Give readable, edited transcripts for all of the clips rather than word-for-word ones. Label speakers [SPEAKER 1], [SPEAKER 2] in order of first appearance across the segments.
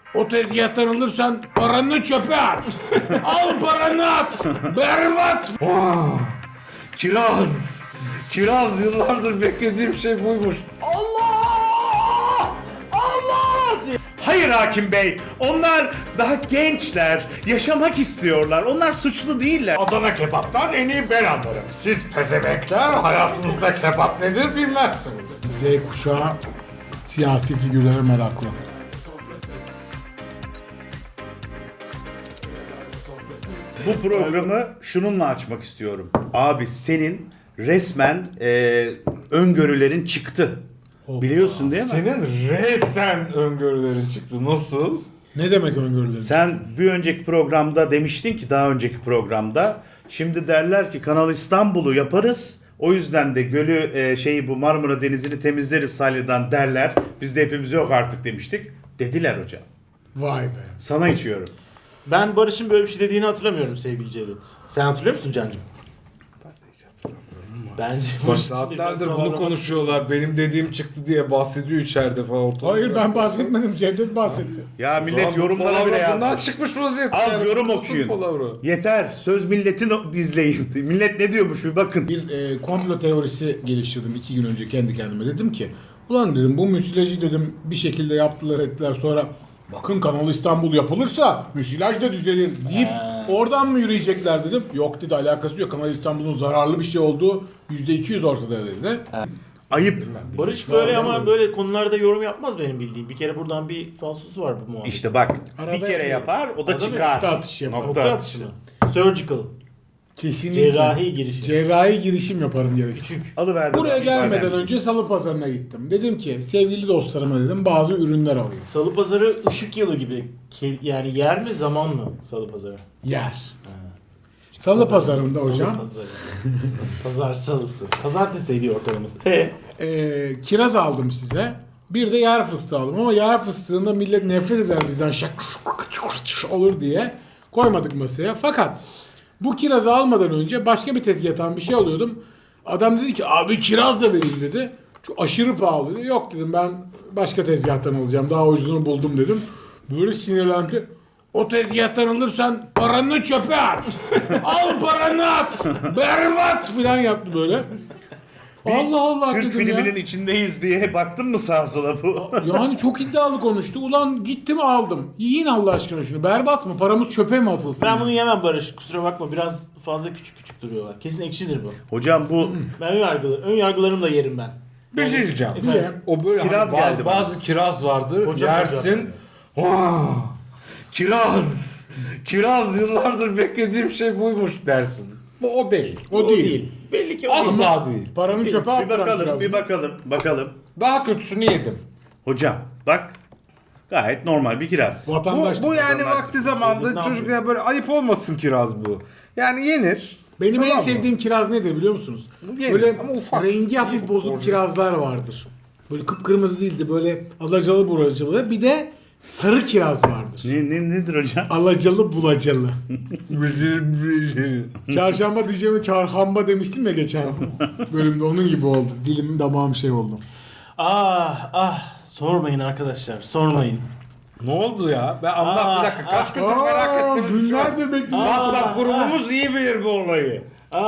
[SPEAKER 1] O tezgahtan alırsan paranı çöpe at. Al paranı at. Berbat.
[SPEAKER 2] Kiraz! Kiraz, yıllardır beklediğim şey buymuş. Allah! Allah! Hayır hakim bey, onlar daha gençler, yaşamak istiyorlar. Onlar suçlu değiller.
[SPEAKER 1] Adana kebaptan en iyi ben anlarım. Siz pezemekler hayatınızda kebap nedir bilmezsiniz. Z kuşağı siyasi figürlere meraklı.
[SPEAKER 2] Bu programı şununla açmak istiyorum. Abi senin resmen öngörülerin çıktı. Biliyorsun değil mi?
[SPEAKER 3] Senin resen öngörülerin çıktı. Nasıl?
[SPEAKER 1] Ne demek öngörülerim?
[SPEAKER 2] Sen bir önceki programda demiştin ki, daha önceki programda, şimdi derler ki Kanal İstanbul'u yaparız. O yüzden de gölü bu Marmara Denizi'ni temizleriz salyeden derler. Biz de hepimiz yok artık demiştik. Dediler hocam.
[SPEAKER 1] Vay be.
[SPEAKER 2] Sana içiyorum.
[SPEAKER 4] Ben Barış'ın böyle bir şey dediğini hatırlamıyorum sevgili Cevdet. Sen hatırlıyor musun Can'cığım? Bence
[SPEAKER 3] Saatlerdir bunu konuşuyorlar. Benim dediğim çıktı diye bahsediyor içeride falan.
[SPEAKER 1] Hayır ben bahsetmedim. Cevdet bahsetti.
[SPEAKER 2] Ya millet yorumlara bile
[SPEAKER 3] Bundan
[SPEAKER 2] yazmış.
[SPEAKER 3] çıkmış vaziyette.
[SPEAKER 2] Az yorum
[SPEAKER 3] Nasıl
[SPEAKER 2] okuyun.
[SPEAKER 3] palavra?
[SPEAKER 2] Yeter. Söz milletin izleyin. Millet ne diyormuş bir bakın.
[SPEAKER 1] Bir komplo teorisi geliştirdim 2 gün önce kendi kendime. Dedim ki ulan dedim bu müsilajı dedim bir şekilde yaptılar ettiler sonra bakın Kanal İstanbul yapılırsa müsilaj da düzelir deyip oradan mı yürüyecekler dedim. Yok dedi alakası yok. Kanal İstanbul'un zararlı bir şey olduğu %200 ortada dedi.
[SPEAKER 2] Ayıp.
[SPEAKER 4] Barış böyle ama böyle konularda yorum yapmaz benim bildiğim. Bir kere buradan bir falsosu var bu muhabbet.
[SPEAKER 2] İşte bak,
[SPEAKER 1] Arada
[SPEAKER 2] bir kere
[SPEAKER 1] yapıyor.
[SPEAKER 2] yapar, o da
[SPEAKER 4] Arada
[SPEAKER 2] çıkar.
[SPEAKER 1] nokta atışı yapar.
[SPEAKER 2] Nokta
[SPEAKER 4] Nokta
[SPEAKER 2] atışı.
[SPEAKER 4] atışı. Surgical.
[SPEAKER 1] Kesinlikle.
[SPEAKER 4] Cerrahi girişim.
[SPEAKER 1] Cerrahi girişim yaparım gerekir.
[SPEAKER 4] Küçük.
[SPEAKER 2] Alıverdim.
[SPEAKER 1] Buraya
[SPEAKER 2] abi,
[SPEAKER 1] gelmeden
[SPEAKER 2] önemli.
[SPEAKER 1] önce salı pazarına gittim. Dedim ki sevgili dostlarıma dedim bazı ürünler alayım.
[SPEAKER 4] Salı pazarı ışık yılı gibi. Yani yer mi zaman mı salı pazarı?
[SPEAKER 1] Yer. Salı pazarında
[SPEAKER 4] Salı
[SPEAKER 1] hocam
[SPEAKER 4] pazarı. Pazar salısı. Pazartesiydi ortalaması.
[SPEAKER 1] kiraz aldım size. Bir de yer fıstığı aldım ama yer fıstığında millet nefret eder bizden şak olur diye koymadık masaya. Fakat bu kirazı almadan önce başka bir tezgahtan bir şey alıyordum. Adam dedi ki abi kiraz da vereyim dedi. Çok aşırı pahalı dedi. Yok dedim ben başka tezgahtan alacağım. Daha ucuzunu buldum dedim. Böyle sinirlendi. O tezgahtan alırsan paranı çöpe at. Al paranı at. Berbat filan yaptı böyle. Allah Allah
[SPEAKER 2] Türk
[SPEAKER 1] dedim ya.
[SPEAKER 2] filminin içindeyiz diye baktın mı sağa sola bu?
[SPEAKER 1] Yani çok iddialı konuştu. Ulan gittim aldım. Yiyin Allah aşkına şunu. Berbat mı? Paramız çöpe mi atılsın?
[SPEAKER 4] Ben bunu yemem Barış. Kusura bakma biraz fazla küçük küçük duruyorlar. Kesin ekşidir bu.
[SPEAKER 2] Hocam bu
[SPEAKER 4] Ben ön yargılarımla yerim ben.
[SPEAKER 3] Bir şey diyeceğim.
[SPEAKER 4] Efendim?
[SPEAKER 3] O böyle
[SPEAKER 2] Kiraz
[SPEAKER 3] hani
[SPEAKER 2] geldi bana.
[SPEAKER 3] bazı kiraz vardır.
[SPEAKER 4] Hocam,
[SPEAKER 3] yersin. Kiraz. Kiraz, yıllardır beklediğim şey buymuş dersin. Bu o değil.
[SPEAKER 1] O değil.
[SPEAKER 4] Belli ki o
[SPEAKER 3] Asla değil.
[SPEAKER 1] Paranı çöpe
[SPEAKER 2] bir
[SPEAKER 1] attıran
[SPEAKER 2] bakalım,
[SPEAKER 1] kiraz.
[SPEAKER 2] bir bakalım.
[SPEAKER 3] Daha kötüsünü yedim.
[SPEAKER 2] Hocam bak, gayet normal bir kiraz.
[SPEAKER 1] Vatandaş.
[SPEAKER 3] Bu yani
[SPEAKER 2] vatandaş
[SPEAKER 3] vakti zamanında
[SPEAKER 4] Ne
[SPEAKER 3] çocuklara böyle ayıp olmasın kiraz bu. Yani yenir.
[SPEAKER 1] Benim en
[SPEAKER 3] Tamam mı?
[SPEAKER 1] sevdiğim kiraz nedir biliyor musunuz?
[SPEAKER 3] Yenir
[SPEAKER 1] Böyle
[SPEAKER 3] ama ufak.
[SPEAKER 1] rengi hafif bozuk kirazlar vardır. Böyle kıpkırmızı değildi böyle alacalı buracalı. Bir de sarı kiraz vardır.
[SPEAKER 2] Nedir hocam?
[SPEAKER 1] Alacalı bulacalı. Çarşamba diyeceğimi çarhamba demiştim ya geçen bölümde onun gibi oldu. Dilim damağım şey oldu.
[SPEAKER 4] Sormayın arkadaşlar sormayın.
[SPEAKER 3] Ne oldu ya? Ben anlat bir dakika. Kaç gündür merak ettim.
[SPEAKER 1] Günlerdir bekliyorum.
[SPEAKER 3] WhatsApp grubumuz iyi bilir bu olayı.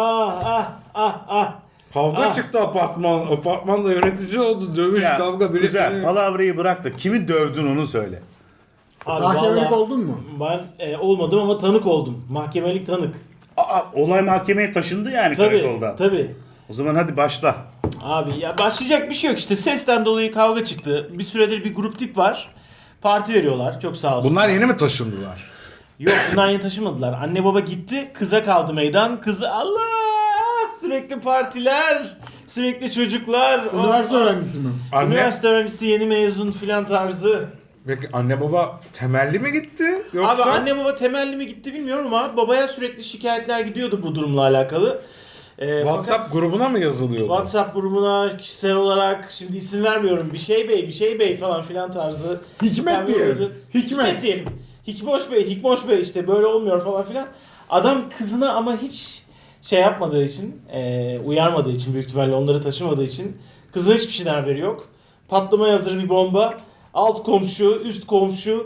[SPEAKER 3] Kavga çıktı apartman. Apartmanda yönetici oldu. Dövüş,
[SPEAKER 2] Ya,
[SPEAKER 3] kavga. Biri
[SPEAKER 2] güzel, palavrayı bırak da kimi dövdün onu söyle.
[SPEAKER 4] Abi
[SPEAKER 1] Mahkemelik
[SPEAKER 4] vallahi
[SPEAKER 1] oldun mu?
[SPEAKER 4] Ben olmadım ama tanık oldum. Mahkemelik tanık.
[SPEAKER 2] Olay mahkemeye taşındı yani karakoldan.
[SPEAKER 4] Tabii.
[SPEAKER 2] O zaman hadi başla.
[SPEAKER 4] Abi ya başlayacak bir şey yok işte sesten dolayı kavga çıktı. Bir süredir bir grup tip var. Parti veriyorlar. Çok sağ olsun.
[SPEAKER 3] Bunlar yeni mi taşındılar?
[SPEAKER 4] Yok bunlar yeni taşımadılar. Anne baba gitti. Kıza kaldı meydan. Kızı Allah! Sürekli partiler. Sürekli çocuklar.
[SPEAKER 1] Üniversite öğrencisi mi?
[SPEAKER 3] Anne,
[SPEAKER 4] Üniversite öğrencisi yeni mezun filan tarzı.
[SPEAKER 3] peki anne baba temelli mi gitti? Yoksa?
[SPEAKER 4] Abi anne baba temelli mi gitti bilmiyorum ama babaya sürekli şikayetler gidiyordu bu durumla alakalı.
[SPEAKER 3] WhatsApp
[SPEAKER 4] Fakat
[SPEAKER 3] grubuna mı yazılıyordu?
[SPEAKER 4] WhatsApp grubuna kişisel olarak şimdi isim vermiyorum bir şey bey falan filan tarzı.
[SPEAKER 1] Hikmet
[SPEAKER 4] sistemler
[SPEAKER 1] diyelim.
[SPEAKER 4] oluyordu.
[SPEAKER 1] Hikmet.
[SPEAKER 4] Diyelim. Hikmoş Bey işte böyle olmuyor falan filan. Adam kızına ama hiç şey yapmadığı için, uyarmadığı için büyük ihtimalle onları taşımadığı için kızın hiçbir şeyden haberi yok. Patlamaya hazır bir bomba. Alt komşu, üst komşu.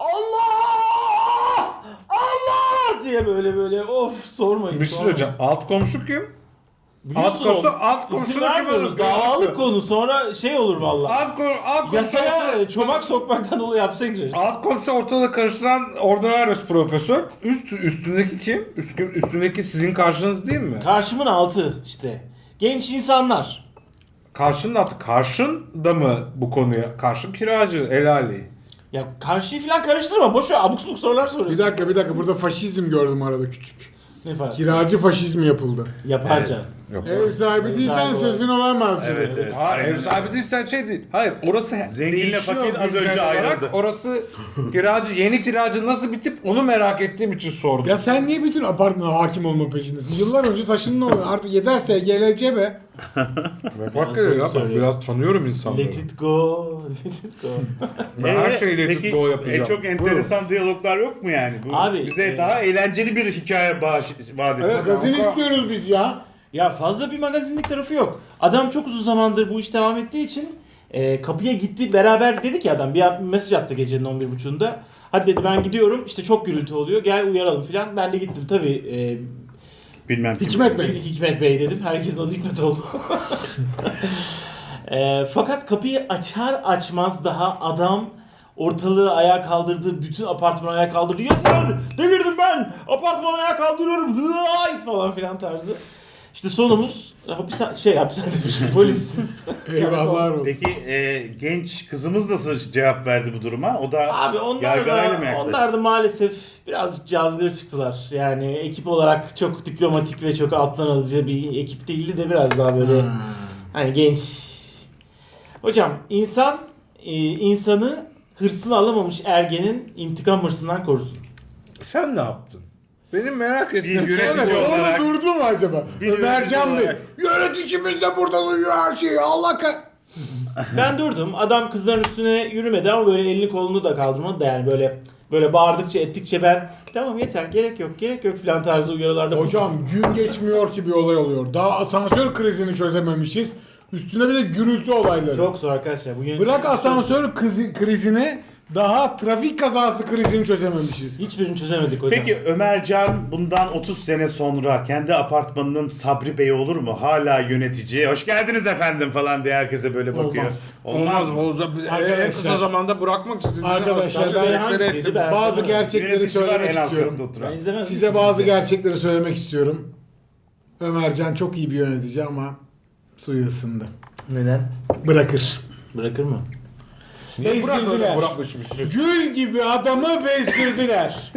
[SPEAKER 4] Allah! Allah! diye böyle of sormayın.
[SPEAKER 3] Bir şey söyleyeceğim. Alt komşu kim?
[SPEAKER 4] Biliyorsun
[SPEAKER 3] Alt
[SPEAKER 4] oğlum,
[SPEAKER 3] komşu
[SPEAKER 4] İzin
[SPEAKER 3] da kim
[SPEAKER 4] vermiyoruz.
[SPEAKER 3] olur?
[SPEAKER 4] Davalık konu sonra şey olur vallahi.
[SPEAKER 3] Alt komşu
[SPEAKER 4] Yasaya çomak sokmaktan dolayı hapse girer.
[SPEAKER 3] Alt komşu ortada karıştıran ordinarius profesör. Üstündeki kim? Üstündeki sizin karşınız değil mi?
[SPEAKER 4] Karşımın altı işte. Genç insanlar.
[SPEAKER 3] Karşının altı. Karşın da mı bu konuya? Karşın kiracı, helali.
[SPEAKER 4] Ya karşıyı falan karıştırma. Boş ver abuk subuk sorular soruyorsun.
[SPEAKER 1] Bir dakika burada faşizm gördüm arada küçük.
[SPEAKER 4] Ne fark?
[SPEAKER 1] Kiracı faşizmi yapıldı.
[SPEAKER 4] Yapar
[SPEAKER 2] Evet.
[SPEAKER 4] canım.
[SPEAKER 3] Yok.
[SPEAKER 1] Ev sahibi değilsen
[SPEAKER 4] sahibi
[SPEAKER 1] sözün olamaz.
[SPEAKER 2] Evet, evet.
[SPEAKER 3] Hayır,
[SPEAKER 2] Aynen.
[SPEAKER 3] ev sahibi değilsen şey değil. Hayır, orası
[SPEAKER 2] Zenginle
[SPEAKER 3] değişiyor
[SPEAKER 2] fakir az
[SPEAKER 3] güncel
[SPEAKER 2] önce
[SPEAKER 3] olarak.
[SPEAKER 2] ayrıldı.
[SPEAKER 3] Orası kiracı, yeni kiracı nasıl bir tip onu merak ettiğim için sordum.
[SPEAKER 1] Ya sen niye bütün apartmana hakim olma peşindesin? Yıllar önce taşındın oraya. Artık yeterse gelece be.
[SPEAKER 3] Ne fark ediyor ya? Ben
[SPEAKER 4] söylüyor.
[SPEAKER 3] biraz tanıyorum insanları.
[SPEAKER 4] Let it go. Let it go.
[SPEAKER 3] Ben her şeyle
[SPEAKER 2] Peki,
[SPEAKER 3] tuttuğu yapacağım.
[SPEAKER 2] çok enteresan diyaloglar yok mu yani? Bu
[SPEAKER 4] Abi,
[SPEAKER 2] bize daha eğlenceli bir hikaye vaat ediyor.
[SPEAKER 3] Evet.
[SPEAKER 1] Magazin
[SPEAKER 3] kanka.
[SPEAKER 1] istiyoruz biz ya.
[SPEAKER 4] Ya fazla bir magazinlik tarafı yok. Adam çok uzun zamandır bu iş devam ettiği için kapıya gitti beraber dedi ki adam bir mesaj attı gecenin 11.30'unda. Hadi dedi ben gidiyorum işte çok gürültü oluyor gel uyaralım filan. Ben de gittim tabii
[SPEAKER 2] Bilmem kim.
[SPEAKER 1] Hikmet Bey.
[SPEAKER 4] Hikmet Bey dedim. Herkesin adı Hikmet oldu. Fakat kapıyı açar açmaz daha adam ortalığı ayağa kaldırdı. Bütün apartmanı ayağa kaldırdı. Yeter! Delirdim ben! Apartmanı ayağa kaldırıyorum. Hıayt falan filan tarzı. İşte sonumuz hapishane demişim polis.
[SPEAKER 1] Eyvahlar olsun.
[SPEAKER 2] Peki genç kızımız nasıl cevap verdi bu duruma? O da
[SPEAKER 4] Abi onlar
[SPEAKER 2] yargılayla mı
[SPEAKER 4] da,
[SPEAKER 2] yaklaştı?
[SPEAKER 4] onlar da maalesef birazcık cazgır çıktılar. Yani ekip olarak çok diplomatik ve çok alttan alıcı bir ekip değildi de biraz daha böyle hani genç. Hocam insanı hırsını alamamış ergenin intikam hırsından korusun.
[SPEAKER 3] Sen ne yaptın? Benim merak ettiğim
[SPEAKER 2] Bir yönetici
[SPEAKER 3] şey ne?
[SPEAKER 2] olarak-
[SPEAKER 1] Onu durdu mu acaba?
[SPEAKER 2] Bir
[SPEAKER 1] Ömercan
[SPEAKER 2] yönetici
[SPEAKER 1] Bey.
[SPEAKER 2] olarak.
[SPEAKER 1] Yöneticimiz de burada duyuyor her şeyi. Allah
[SPEAKER 4] Ben durdum. Adam kızların üstüne yürümedi ama böyle elini kolunu da kaldırmadı da yani böyle bağırdıkça ettikçe ben tamam yeter gerek yok filan tarzı uyarılarda
[SPEAKER 1] Hocam gün geçmiyor ki bir olay oluyor. Daha asansör krizini çözememişiz. Üstüne bir de gürültü olayları.
[SPEAKER 4] çok zor arkadaşlar. Bu
[SPEAKER 1] Bırak asansör krizini, daha trafik kazası krizini çözememişiz.
[SPEAKER 4] hiçbirini çözemedik hocam.
[SPEAKER 2] Peki Ömercan bundan 30 sene sonra kendi apartmanının Sabri Bey olur mu? Hala yönetici. Hoş geldiniz efendim falan diye herkese böyle bakıyor.
[SPEAKER 1] Olmaz.
[SPEAKER 3] Olmaz Boğaz'a en kısa zamanda bırakmak istedim.
[SPEAKER 1] Arkadaşlar,
[SPEAKER 4] Sabri Bey hangisiydi? Ben
[SPEAKER 1] Bazı
[SPEAKER 4] hatırlamıyorum.
[SPEAKER 1] gerçekleri
[SPEAKER 2] Yönetici var
[SPEAKER 1] söylemek
[SPEAKER 2] en alt
[SPEAKER 1] istiyorum.
[SPEAKER 2] katta oturan.
[SPEAKER 4] Ben izlemedim.
[SPEAKER 1] Size bazı gerçekleri söylemek istiyorum. Ömercan çok iyi bir yönetici ama suyu ısındı.
[SPEAKER 4] Neden?
[SPEAKER 1] Bırakır.
[SPEAKER 4] Bırakır mı?
[SPEAKER 3] Niye
[SPEAKER 1] Bezdirdiler.
[SPEAKER 3] bırakmışmış?
[SPEAKER 1] Gül gibi adamı bezdirdiler.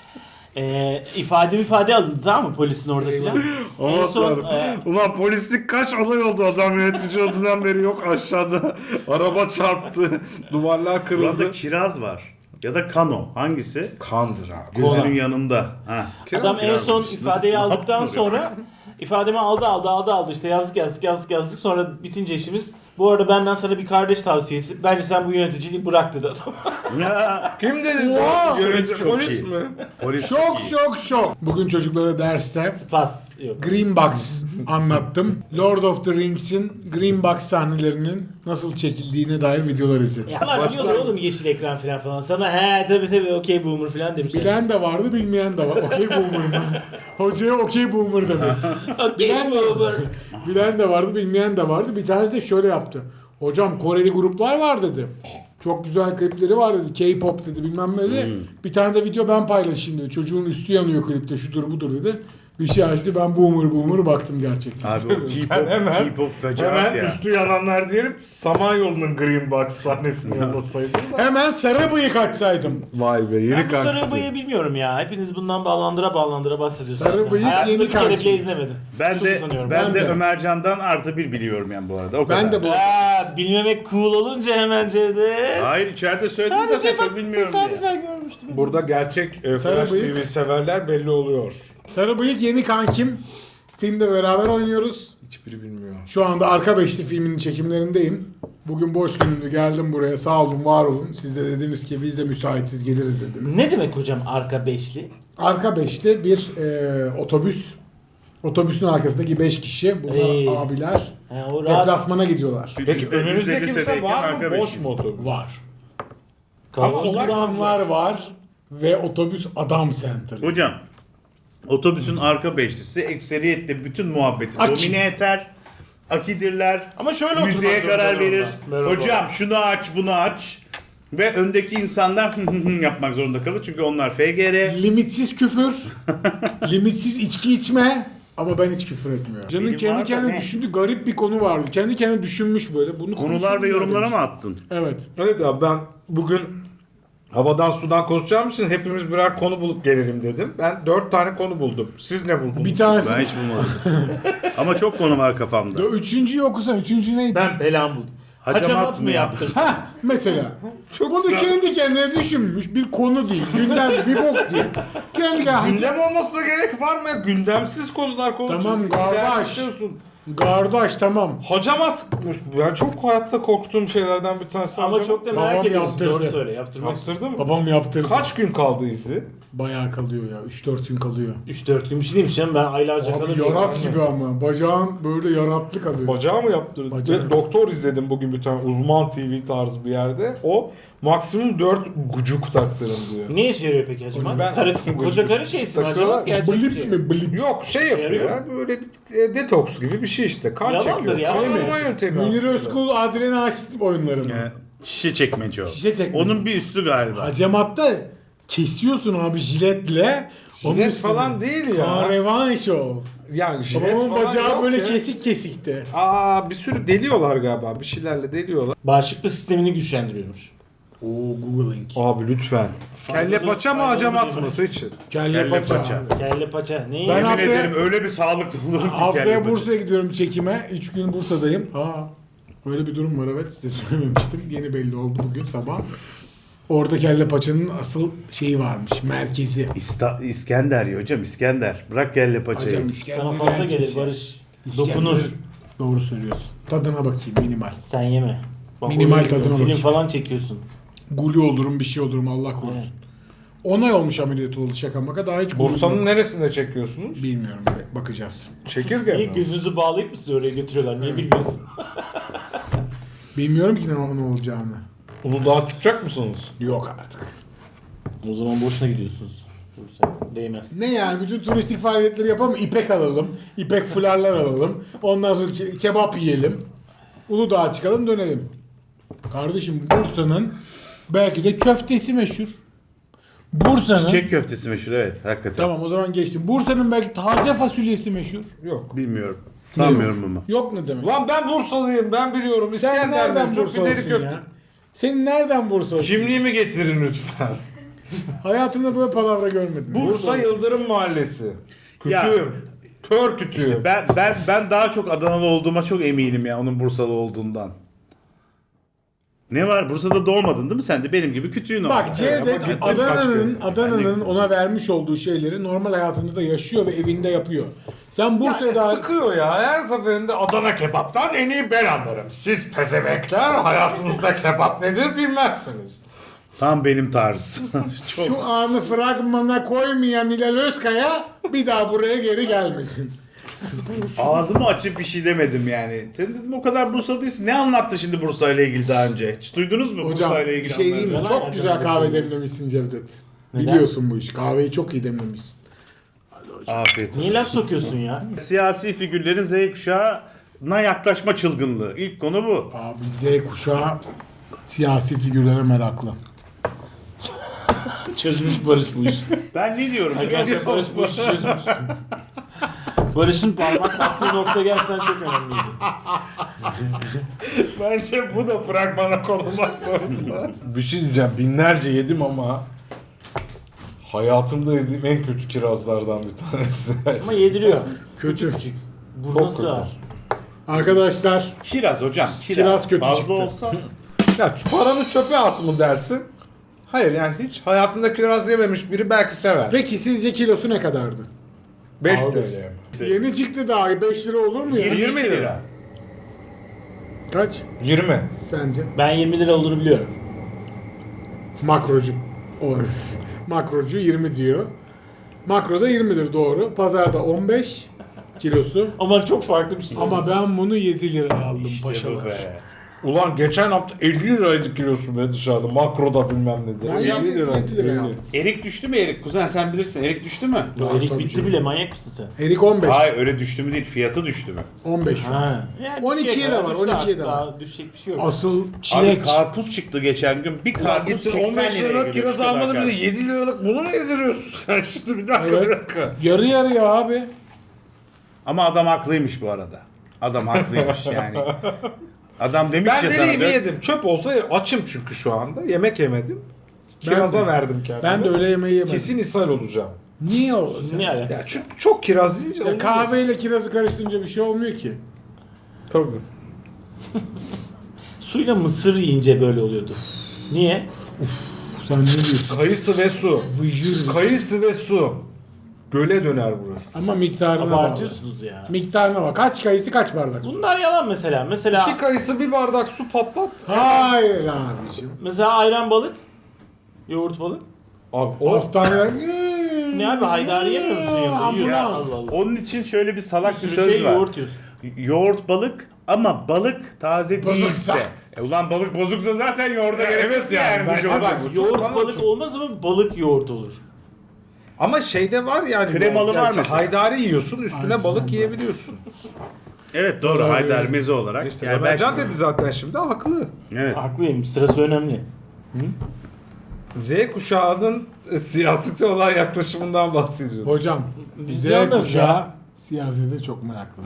[SPEAKER 4] İfade alındı tamam mı polisin orada filan. En son
[SPEAKER 3] Ulan polislik kaç olay oldu adam yönetici olduğundan beri yok aşağıda. Araba çarptı. Duvarlar kırıldı.
[SPEAKER 2] Burada kiraz var. Ya da kano. Hangisi?
[SPEAKER 3] Kandır abi.
[SPEAKER 2] Gözünün
[SPEAKER 4] Kola.
[SPEAKER 2] yanında. Ha.
[SPEAKER 4] adam en son
[SPEAKER 2] yazmış.
[SPEAKER 4] ifadeyi
[SPEAKER 2] Nasıl
[SPEAKER 4] aldıktan
[SPEAKER 2] yaptın
[SPEAKER 4] sonra ifademi aldı işte yazdık sonra bitince işimiz bu arada benden sana bir kardeş tavsiyesi bence sen bu yöneticiliği bırak dedi adam.
[SPEAKER 2] Ya,
[SPEAKER 3] Kim dedi?
[SPEAKER 1] Wow.
[SPEAKER 3] Yönetici
[SPEAKER 2] Çok
[SPEAKER 3] polis
[SPEAKER 2] iyi.
[SPEAKER 3] mi?
[SPEAKER 2] polis
[SPEAKER 1] Çok
[SPEAKER 2] iyi.
[SPEAKER 1] çok şok. Bugün çocuklara derste
[SPEAKER 4] Spas yok.
[SPEAKER 1] Green Box anlattım. Lord of the Rings'in Green Box sahnelerinin nasıl çekildiğine dair videolar izledim.
[SPEAKER 4] Ya bunlar biliyorlar oğlum yeşil ekran falan sana he tabii okey boomer falan demişler.
[SPEAKER 1] Bilen de vardı, bilmeyen de var. Okey boomer mı? Hocaya okey boomer demek.
[SPEAKER 4] Okey boomer.
[SPEAKER 1] Bilen de vardı, bilmeyen de vardı. Bir tanesi de şöyle yaptı. Hocam Koreli gruplar var dedi. Çok güzel klipleri var dedi. K-pop dedi bilmem ne dedi. Bir tane de video ben paylaşayım dedi. Çocuğun üstü yanıyor klipte şudur budur dedi. Bir şey açtı ben boomer baktım gerçekten.
[SPEAKER 2] Abi o K-pop fecaat
[SPEAKER 3] Hemen
[SPEAKER 2] ya.
[SPEAKER 3] üstü yananlar diyelim Samanyolu'nun Green Box sahnesini yollasaydın da.
[SPEAKER 1] Hemen sarı bıyık açsaydım.
[SPEAKER 3] Vay be yeni
[SPEAKER 4] Ben bu sarı
[SPEAKER 3] kankisi.
[SPEAKER 4] bıyığı bilmiyorum ya. Hepiniz bundan bağlandıra bahsediyorsunuz.
[SPEAKER 1] Sarı bıyık
[SPEAKER 4] Hayatımda
[SPEAKER 1] yeni
[SPEAKER 4] bir kere
[SPEAKER 1] kanki.
[SPEAKER 4] bile izlemedim.
[SPEAKER 2] Ben
[SPEAKER 4] Çok
[SPEAKER 2] de
[SPEAKER 4] utanıyorum.
[SPEAKER 2] ben de
[SPEAKER 1] de.
[SPEAKER 2] Ömercan'dan +1 biliyorum yani bu arada. O kadar.
[SPEAKER 1] Ben de bu.
[SPEAKER 4] Bilmemek cool olunca hemen Cevdet.
[SPEAKER 2] Hayır içeride söyledim zaten çok bilmiyorum diye.
[SPEAKER 4] tesadüfen görmüştüm.
[SPEAKER 3] Burada gerçek
[SPEAKER 1] Sarı
[SPEAKER 3] Flash
[SPEAKER 1] bıyık.
[SPEAKER 3] TV severler belli oluyor.
[SPEAKER 1] Sarı bıyık yeni kankim. Filmde beraber oynuyoruz.
[SPEAKER 3] Hiçbiri bilmiyor.
[SPEAKER 1] Şu anda Arka Beşli filminin çekimlerindeyim. Bugün boş günümdü geldim buraya sağ olun var olun. Siz de dediniz ki biz de müsaitiz geliriz dediniz.
[SPEAKER 4] Ne demek hocam arka beşli?
[SPEAKER 1] Arka Beşli bir otobüs. Otobüsün arkasındaki 5 kişi. Bunlar abiler.
[SPEAKER 4] He, o rahat.
[SPEAKER 1] Deplasmana gidiyorlar.
[SPEAKER 3] Peki
[SPEAKER 2] Biz de
[SPEAKER 3] önünüzde
[SPEAKER 2] lisedeyken
[SPEAKER 3] kimse var mı?
[SPEAKER 2] arka
[SPEAKER 3] Boş
[SPEAKER 2] beşli.
[SPEAKER 3] mu otobüs?
[SPEAKER 1] Var. İnsanlar var ve otobüs adam center.
[SPEAKER 2] Hocam otobüsün arka beşlisi ekseriyetle bütün muhabbeti
[SPEAKER 1] Aki.
[SPEAKER 2] domine eder. Akidirler.
[SPEAKER 4] Ama şöyle
[SPEAKER 2] Müziğe
[SPEAKER 4] oturmak
[SPEAKER 2] karar
[SPEAKER 4] zorunda
[SPEAKER 2] verir.
[SPEAKER 4] onlar. Merhaba.
[SPEAKER 2] Hocam şunu aç bunu aç. Ve öndeki insanlar yapmak zorunda kalır. Çünkü onlar FGR.
[SPEAKER 1] Limitsiz küfür, limitsiz içki içme ama ben hiç küfür etmiyorum. Can'ın
[SPEAKER 2] Benim var
[SPEAKER 1] kendi
[SPEAKER 2] da
[SPEAKER 1] kendine
[SPEAKER 2] ne?
[SPEAKER 1] düşündüğü garip bir konu vardı. Kendi kendine düşünmüş böyle. Bunu
[SPEAKER 2] Konular
[SPEAKER 1] konuşalım
[SPEAKER 2] ve yorumlara
[SPEAKER 1] demiş.
[SPEAKER 2] mı attın?
[SPEAKER 1] Evet.
[SPEAKER 3] Evet abi ben bugün havadan sudan konuşacağım için hepimiz birer konu bulup gelelim dedim. Ben 4 tane konu buldum. Siz ne buldunuz?
[SPEAKER 1] Bir tanesi.
[SPEAKER 2] Ben hiç bulmadım. Ama çok konu var kafamda.
[SPEAKER 1] Üçüncüyü okusan. Üçüncü neydi?
[SPEAKER 4] Ben belamı buldum.
[SPEAKER 2] Hacamat mı
[SPEAKER 4] yaptırsın?
[SPEAKER 1] Ha mesela.
[SPEAKER 3] Çok
[SPEAKER 1] Bunu
[SPEAKER 3] güzel.
[SPEAKER 1] kendi kendine düşünmüş. Bir konu değil. Gündem bir bok değil. Kendi kendine.
[SPEAKER 3] Gündem olmasına gerek var mı ya? Gündemsiz konular konuşuyoruz.
[SPEAKER 1] Tamam, kardeş. Kardeş tamam.
[SPEAKER 3] Hacamat. Ben çok hayatta korktuğum şeylerden bir tanesi
[SPEAKER 4] Ama
[SPEAKER 3] hacamat.
[SPEAKER 4] çok da
[SPEAKER 1] Babam
[SPEAKER 4] merak ediyorsun.
[SPEAKER 1] yaptırdı.
[SPEAKER 4] Doğru söyle. Yaptırmak
[SPEAKER 3] Yaptırdı mı?
[SPEAKER 1] Babam yaptırdı.
[SPEAKER 3] Kaç gün kaldı izi?
[SPEAKER 1] Bayağı kalıyor ya. 3-4 gün kalıyor.
[SPEAKER 4] 3-4 gün bir şey değilmiş canım. Ben aylarca
[SPEAKER 1] Abi
[SPEAKER 4] kalırım.
[SPEAKER 1] yarat gibi ama. Bacağın böyle yaratlı kalıyor.
[SPEAKER 3] Bacağı mı yaptırdı?
[SPEAKER 1] Bacağı.
[SPEAKER 3] Ve doktor izledim bugün bir tane uzman TV tarzı bir yerde. O maksimum 4 gucuk taktırın diyor.
[SPEAKER 4] Ne işe yarıyor peki hacamat?
[SPEAKER 3] Ben-
[SPEAKER 4] Koca karı şeysi mi
[SPEAKER 3] Takıyorlar.
[SPEAKER 4] hacamat? Gerçek bir
[SPEAKER 1] Blip
[SPEAKER 4] şey.
[SPEAKER 1] mi blip?
[SPEAKER 3] Yok şey yapıyor
[SPEAKER 4] yarıyor
[SPEAKER 3] ya böyle bir detoks gibi bir şey işte. Kan
[SPEAKER 4] Yalandır
[SPEAKER 3] çekiyor.
[SPEAKER 4] ya.
[SPEAKER 3] Şey mi?
[SPEAKER 4] Yalan.
[SPEAKER 3] Yöntemi
[SPEAKER 1] Münir
[SPEAKER 3] aslında.
[SPEAKER 1] Özkul, Adile Naşit oyunları mı?
[SPEAKER 2] Şişe çekmece o.
[SPEAKER 1] Şişe çekmece.
[SPEAKER 2] Onun bir üstü galiba.
[SPEAKER 1] Hacamatta kesiyorsun abi jiletle. Onun
[SPEAKER 3] Jilet
[SPEAKER 1] üstüne.
[SPEAKER 3] falan değil ya.
[SPEAKER 1] Kahraman şov.
[SPEAKER 3] Yani jilet
[SPEAKER 1] Babamın
[SPEAKER 3] falan
[SPEAKER 1] bacağı
[SPEAKER 3] yok
[SPEAKER 1] böyle
[SPEAKER 3] ya.
[SPEAKER 1] kesik kesikti.
[SPEAKER 3] Aa bir sürü deliyorlar galiba. Bir şeylerle deliyorlar.
[SPEAKER 4] Bağışıklık sistemini güçlendiriyormuş.
[SPEAKER 1] Oo Googling.
[SPEAKER 3] Abi lütfen. Kelle paça mı
[SPEAKER 4] faydalı
[SPEAKER 3] hacamat
[SPEAKER 4] değil
[SPEAKER 3] mı
[SPEAKER 4] mi?
[SPEAKER 3] seçin?
[SPEAKER 1] Kelle
[SPEAKER 2] Kelle
[SPEAKER 1] paça.
[SPEAKER 2] paça.
[SPEAKER 4] Kelle paça. Ne?
[SPEAKER 1] Ben
[SPEAKER 2] Yemin
[SPEAKER 1] haftaya-
[SPEAKER 2] ederim öyle bir sağlıklı olurum ki
[SPEAKER 1] Haftaya
[SPEAKER 2] kelle paça.
[SPEAKER 1] Bursa'ya gidiyorum çekime. 3 gün Bursa'dayım. Öyle bir durum var evet. Size söylememiştim. Yeni belli oldu bugün sabah. Orada kelle paçanın asıl şeyi varmış. Merkezi.
[SPEAKER 2] İskender ya hocam İskender. Bırak kelle paçayı.
[SPEAKER 1] Hocam İskender
[SPEAKER 4] Sana fazla gelir
[SPEAKER 1] merkezi.
[SPEAKER 4] Barış.
[SPEAKER 1] İskender.
[SPEAKER 4] Dokunur.
[SPEAKER 1] Doğru söylüyorsun. Tadına bakayım minimal.
[SPEAKER 4] Sen yeme. Bak,
[SPEAKER 1] Minimal
[SPEAKER 4] öyle
[SPEAKER 1] tadına
[SPEAKER 4] film
[SPEAKER 1] bakayım.
[SPEAKER 4] falan çekiyorsun.
[SPEAKER 1] Guli olurum bir şey olurum Allah korusun.
[SPEAKER 4] Evet.
[SPEAKER 1] 10 ay olmuş ameliyat oldu şaka maka daha hiç
[SPEAKER 3] Bursa'nın
[SPEAKER 1] gulum yok.
[SPEAKER 3] neresinde çekiyorsunuz?
[SPEAKER 1] Bilmiyorum bakacağız.
[SPEAKER 3] Çekirge
[SPEAKER 4] Niye
[SPEAKER 3] mi?
[SPEAKER 4] gözünüzü bağlayıp mı sizi oraya götürüyorlar? Niye bilmiyorsun?
[SPEAKER 1] Bilmiyorum ki ne olacağını.
[SPEAKER 3] Uludağ'a tutacak mısınız?
[SPEAKER 1] Yok artık.
[SPEAKER 4] O zaman boşuna gidiyorsunuz. Bursa'ya. Değmez.
[SPEAKER 1] Ne yani bütün turistik faaliyetleri yapalım. İpek alalım. İpek fularlar alalım. Ondan sonra kebap yiyelim. Uludağ'a çıkalım dönelim. Kardeşim Bursa'nın belki de köftesi meşhur. Bursa'nın
[SPEAKER 2] Çiçek köftesi meşhur evet hakikaten.
[SPEAKER 1] Tamam o zaman geçtim. Bursa'nın belki taze fasulyesi meşhur.
[SPEAKER 3] Yok.
[SPEAKER 2] Bilmiyorum. Sanmıyorum ama.
[SPEAKER 1] Yok ne demek?
[SPEAKER 3] Lan ben Bursalıyım ben biliyorum.
[SPEAKER 1] Sen
[SPEAKER 3] İskender
[SPEAKER 1] nereden
[SPEAKER 3] meşhur, pideri
[SPEAKER 1] Bursalısın
[SPEAKER 3] köfte.
[SPEAKER 1] ya? Senin nereden Bursalısın?
[SPEAKER 3] Kimliğimi getirin lütfen.
[SPEAKER 1] Hayatımda böyle palavra görmedim.
[SPEAKER 3] Bursa Yıldırım Mahallesi.
[SPEAKER 2] Ya.
[SPEAKER 3] Kütüğüm. Kör kütüğüm.
[SPEAKER 2] İşte ben daha çok Adanalı olduğuma çok eminim ya onun Bursalı olduğundan. Ne var? Bursa'da doğmadın değil mi sen de? Benim gibi kütüğün oldu.
[SPEAKER 1] Bak Cevdet
[SPEAKER 3] ama gittim kaç
[SPEAKER 1] Adana'nın
[SPEAKER 3] kere.
[SPEAKER 1] Adana'nın ona vermiş olduğu şeyleri normal hayatında da yaşıyor ve evinde yapıyor. Sen Bursa'ya
[SPEAKER 3] Yani
[SPEAKER 1] daha
[SPEAKER 3] sıkıyor ya. Her seferinde Adana kebaptan en iyi ben anlarım. Siz pezevekler hayatınızda kebap nedir bilmezsiniz.
[SPEAKER 2] Tam benim tarz. Çok.
[SPEAKER 1] şu anı fragmana koymayan Hilal Özkaya bir daha buraya geri gelmesin.
[SPEAKER 2] Ağzımı açıp bir şey demedim yani. Sen dedim o kadar Bursa değilsin. Ne anlattı şimdi Bursa ile ilgili daha önce? Hiç duydunuz mu
[SPEAKER 1] Hocam
[SPEAKER 2] Bursa ile
[SPEAKER 1] bir
[SPEAKER 2] ilgili
[SPEAKER 1] şey diyeyim mi?
[SPEAKER 2] anlarını?
[SPEAKER 4] Yalan
[SPEAKER 1] Çok
[SPEAKER 4] ya
[SPEAKER 1] güzel
[SPEAKER 4] canım,
[SPEAKER 1] kahve
[SPEAKER 4] hepsini.
[SPEAKER 1] demlemişsin Cevdet.
[SPEAKER 4] Neden?
[SPEAKER 1] Biliyorsun bu iş. Kahveyi çok iyi demlemişsin.
[SPEAKER 2] Afiyet olsun.
[SPEAKER 4] Niye laf sokuyorsun ya?
[SPEAKER 2] Siyasi figürlerin Z kuşağına yaklaşma çılgınlığı. İlk konu bu.
[SPEAKER 1] Abi Z kuşağı siyasi figürlere meraklı.
[SPEAKER 4] Çözmüş Barış bu işi.
[SPEAKER 2] Ben ne diyorum?
[SPEAKER 4] Arkadaşlar Barış bu işi çözmüş. Barış'ın parmak bastığı nokta gerçekten çok önemliydi.
[SPEAKER 3] Bence bu da fragmana konulmak zorunda. Bir şey diyeceğim. Binlerce yedim ama hayatımda yediğim en kötü kirazlardan bir tanesi.
[SPEAKER 4] Ama yediriyor.
[SPEAKER 1] Kötü.
[SPEAKER 4] Küçük. Buruna sığar.
[SPEAKER 1] Arkadaşlar
[SPEAKER 2] Kiraz hocam.
[SPEAKER 1] Kiraz kötü
[SPEAKER 2] Fazla
[SPEAKER 1] çıktı.
[SPEAKER 2] olsa
[SPEAKER 3] Ya şu paranı çöpe at mı dersin? Hayır hiç hayatında kiraz yememiş biri belki sever.
[SPEAKER 1] peki sizce kilosu ne kadardı?
[SPEAKER 3] 5
[SPEAKER 4] Aldı.
[SPEAKER 3] TL.
[SPEAKER 1] Yeni çıktı daha 5 lira olur mu ya?
[SPEAKER 2] 20 lira.
[SPEAKER 1] Kaç
[SPEAKER 3] 20.
[SPEAKER 1] sence?
[SPEAKER 4] Ben 20 lira olduğunu biliyorum.
[SPEAKER 1] Makrocu. Makrocu 20 diyor. Makroda 20'dir doğru. Pazarda 15 kilosu.
[SPEAKER 4] Ama çok farklı bir şey.
[SPEAKER 1] Ama ben bunu 7 lira aldım
[SPEAKER 2] İşte bu
[SPEAKER 1] paşalar.
[SPEAKER 2] be.
[SPEAKER 3] Ulan geçen hafta 50 liraydı kilosu be dışarıda. Makroda bilmem ne de.
[SPEAKER 1] Ben
[SPEAKER 3] 50 liraydı.
[SPEAKER 1] 7 lira aldım.
[SPEAKER 2] Erik düştü mü Erik? Kuzen sen bilirsin. Erik düştü mü?
[SPEAKER 4] O erik
[SPEAKER 1] tabii
[SPEAKER 4] bitti
[SPEAKER 1] canım.
[SPEAKER 4] bile, manyak mısın sen?
[SPEAKER 1] Erik 15.
[SPEAKER 2] Hayır öyle düştü mü değil. Fiyatı düştü mü?
[SPEAKER 1] 15 şu an.
[SPEAKER 4] Ha. Yani
[SPEAKER 1] 12'ye
[SPEAKER 4] düşecek
[SPEAKER 1] de
[SPEAKER 4] ya,
[SPEAKER 1] var,
[SPEAKER 4] düştü
[SPEAKER 1] 12'ye de
[SPEAKER 4] artık,
[SPEAKER 1] var.
[SPEAKER 4] daha düşecek bir şey yok.
[SPEAKER 1] Asıl
[SPEAKER 2] Abi
[SPEAKER 1] çilek.
[SPEAKER 2] karpuz çıktı geçen gün. Bir
[SPEAKER 3] Ulan
[SPEAKER 2] karpuz
[SPEAKER 3] gittin
[SPEAKER 2] 80
[SPEAKER 3] 15
[SPEAKER 2] liraya
[SPEAKER 3] liralık
[SPEAKER 2] geliyor.
[SPEAKER 3] kiraz
[SPEAKER 2] Şu kadar
[SPEAKER 3] almadın bize
[SPEAKER 2] karpuz.
[SPEAKER 3] 7 liralık bunu ne yediriyorsun sen şimdi bir dakika
[SPEAKER 1] Evet.
[SPEAKER 3] bir dakika.
[SPEAKER 1] Yarı yarıya abi.
[SPEAKER 2] Ama adam haklıymış bu arada. Adam haklıymış yani. Adam demiş
[SPEAKER 3] Ben
[SPEAKER 2] ya sana.
[SPEAKER 3] deneyimi yedim. Çöp olsa açım çünkü şu anda. Yemek yemedim.
[SPEAKER 1] Ben
[SPEAKER 3] Kiraza
[SPEAKER 1] de.
[SPEAKER 3] verdim kendime.
[SPEAKER 1] Ben de öyle yemeği yemedim.
[SPEAKER 3] Kesin ishal olacağım.
[SPEAKER 1] Niye o?
[SPEAKER 4] Ne alakası?
[SPEAKER 3] Ya çünkü çok kiraz yiyince
[SPEAKER 1] Ya
[SPEAKER 3] olmuyor.
[SPEAKER 1] kahveyle kirazı karıştırınca bir şey olmuyor ki.
[SPEAKER 3] Tabii.
[SPEAKER 4] Suyla mısır yiyince böyle oluyordu. Niye?
[SPEAKER 1] Sen ne diyorsun?
[SPEAKER 3] Kayısı ve su.
[SPEAKER 1] Vıcır.
[SPEAKER 3] Kayısı ve su. Göle döner burası.
[SPEAKER 1] Ama miktarına bağlı.
[SPEAKER 4] Abartıyorsunuz ya.
[SPEAKER 1] Miktarına bak. Kaç kayısı kaç bardak su?
[SPEAKER 4] Bunlar yalan mesela. Mesela
[SPEAKER 3] İki kayısı bir bardak su patlat.
[SPEAKER 1] Hayır abicim.
[SPEAKER 4] ayran balık, yoğurt balık.
[SPEAKER 3] Abi o
[SPEAKER 1] Hastaneler...
[SPEAKER 4] Ne abi, haydari yemiyor musun yanında? Yiyorsun.
[SPEAKER 1] Ambulans.
[SPEAKER 4] Allah Allah.
[SPEAKER 2] Onun için şöyle bir salak bir
[SPEAKER 4] Bir
[SPEAKER 2] söz
[SPEAKER 4] şey
[SPEAKER 2] var.
[SPEAKER 4] yoğurt yiyorsun.
[SPEAKER 2] Yoğurt balık ama balık taze
[SPEAKER 1] Bozuksa.
[SPEAKER 2] değilse. Ulan balık bozuksa zaten yoğurda gerek
[SPEAKER 3] evet
[SPEAKER 2] yok
[SPEAKER 3] yani,
[SPEAKER 2] bu
[SPEAKER 3] bence
[SPEAKER 2] yoğurt.
[SPEAKER 3] de.
[SPEAKER 4] Bak,
[SPEAKER 3] Bu çok
[SPEAKER 4] yoğurt
[SPEAKER 3] bana
[SPEAKER 4] balık
[SPEAKER 3] çok-
[SPEAKER 4] olmaz ama balık yoğurt olur.
[SPEAKER 3] ama şeyde var yani.
[SPEAKER 2] Kremalı
[SPEAKER 3] yoğurt
[SPEAKER 2] var
[SPEAKER 3] yani
[SPEAKER 2] mesela.
[SPEAKER 3] Haydari yiyorsun üstüne
[SPEAKER 1] Aynen.
[SPEAKER 3] balık yiyebiliyorsun.
[SPEAKER 2] Evet doğru
[SPEAKER 1] Doğru.
[SPEAKER 2] haydar meze olarak.
[SPEAKER 3] İşte
[SPEAKER 2] Yani
[SPEAKER 3] Ömercan
[SPEAKER 2] belki-
[SPEAKER 3] dedi zaten şimdi haklı.
[SPEAKER 2] Evet.
[SPEAKER 4] Haklıyım, sırası önemli.
[SPEAKER 3] Z kuşağının siyasete olan yaklaşımından bahsediyordu.
[SPEAKER 1] Hocam,
[SPEAKER 4] Biz
[SPEAKER 1] Z
[SPEAKER 4] de anlarız
[SPEAKER 1] kuşağı
[SPEAKER 4] ya.
[SPEAKER 1] siyasete çok meraklı.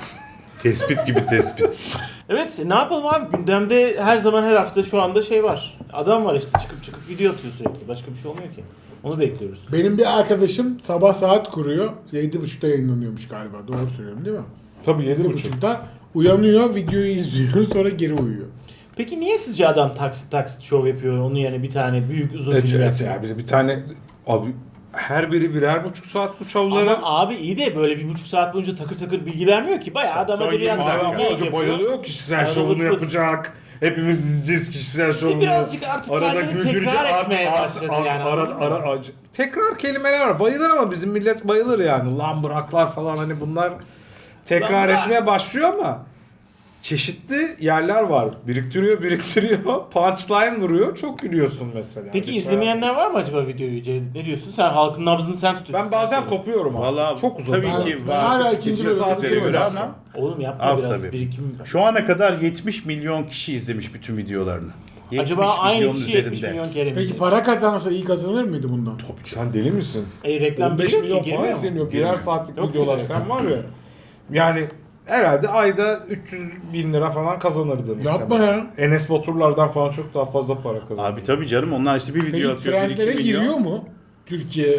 [SPEAKER 2] Tespit gibi tespit.
[SPEAKER 4] Evet, ne yapalım abi, gündemde her zaman her hafta şu anda şey var. Adam var işte, çıkıp video atıyor sürekli. Başka bir şey olmuyor ki. Onu bekliyoruz.
[SPEAKER 1] Benim bir arkadaşım sabah saat kuruyor. 7.30'da yayınlanıyormuş galiba. Doğru söylüyorum değil mi?
[SPEAKER 3] Tabii 7.30.
[SPEAKER 1] 7.30'da uyanıyor, videoyu izliyor, sonra geri uyuyor.
[SPEAKER 4] Peki niye sizce adam taksit şov yapıyor? Onun yerine bir tane büyük uzun film yapıyor.
[SPEAKER 3] ya bize bir tane abi her biri birer buçuk saat bu şovlara.
[SPEAKER 4] Ama abi iyi de böyle 1,5 saat boyunca takır takır bilgi vermiyor ki. Bayağı adam
[SPEAKER 2] Son
[SPEAKER 4] edebiyat
[SPEAKER 2] 20 dakika.
[SPEAKER 4] var.
[SPEAKER 3] Ama hoca bayılıyor kişisel
[SPEAKER 4] Arada
[SPEAKER 3] şovunu
[SPEAKER 4] vıt vıt.
[SPEAKER 3] yapacak. Hepimiz izleyeceğiz kişisel şovunu.
[SPEAKER 4] birazcık artık kendini tekrar etmeye başladı yani, anladın mı?
[SPEAKER 3] tekrar kelimeler var. Bayılır ama bizim millet bayılır yani. Lan bıraklar falan hani bunlar tekrar
[SPEAKER 4] Lan bırak.
[SPEAKER 3] etmeye başlıyor ama çeşitli yerler var. Biriktiriyor. Punchline vuruyor. Çok gülüyorsun mesela.
[SPEAKER 4] Peki
[SPEAKER 3] Mesela
[SPEAKER 4] izlemeyenler var mı acaba videoyu Cevdet? Ne diyorsun? Sen halkın nabzını sen tutuyorsun.
[SPEAKER 3] ben bazen
[SPEAKER 4] Sen söyle.
[SPEAKER 3] kopuyorum artık.
[SPEAKER 2] Valla
[SPEAKER 3] Çok uzun.
[SPEAKER 2] tabii
[SPEAKER 1] Ben-
[SPEAKER 2] ki
[SPEAKER 1] ben hala ikinci
[SPEAKER 2] İkinci
[SPEAKER 1] bölüm
[SPEAKER 2] saatlere
[SPEAKER 1] bitirmedim.
[SPEAKER 2] göre ama
[SPEAKER 4] Oğlum yapma
[SPEAKER 2] Az
[SPEAKER 4] biraz
[SPEAKER 2] tabii.
[SPEAKER 4] birikim.
[SPEAKER 2] şu ana kadar 70 milyon kişi izlemiş bütün videolarını. 70
[SPEAKER 4] Acaba aynı
[SPEAKER 2] milyon
[SPEAKER 4] kişi
[SPEAKER 2] üzerinde.
[SPEAKER 4] 70 milyon kere mi
[SPEAKER 1] Peki
[SPEAKER 4] izledi?
[SPEAKER 1] para kazansa iyi kazanır mıydı bundan?
[SPEAKER 3] Sen deli misin?
[SPEAKER 4] Reklam
[SPEAKER 3] 15
[SPEAKER 4] giriyor
[SPEAKER 3] milyon
[SPEAKER 4] ki,
[SPEAKER 3] falan
[SPEAKER 4] girmiyor mu?
[SPEAKER 3] izleniyor. Birer
[SPEAKER 2] Girmiyor.
[SPEAKER 3] saatlik
[SPEAKER 4] Yok
[SPEAKER 3] videolar.
[SPEAKER 4] mu?
[SPEAKER 3] Sen var ya. Yani herhalde ayda 300 bin lira falan kazanırdı.
[SPEAKER 1] Yapma ya.
[SPEAKER 3] Enes Baturlardan falan çok daha fazla para kazanırdı.
[SPEAKER 2] Abi tabii canım onlar işte bir video
[SPEAKER 1] Peki
[SPEAKER 2] atıyor. 1-2
[SPEAKER 1] trendlere
[SPEAKER 2] milyon.
[SPEAKER 1] giriyor mu? Türkiye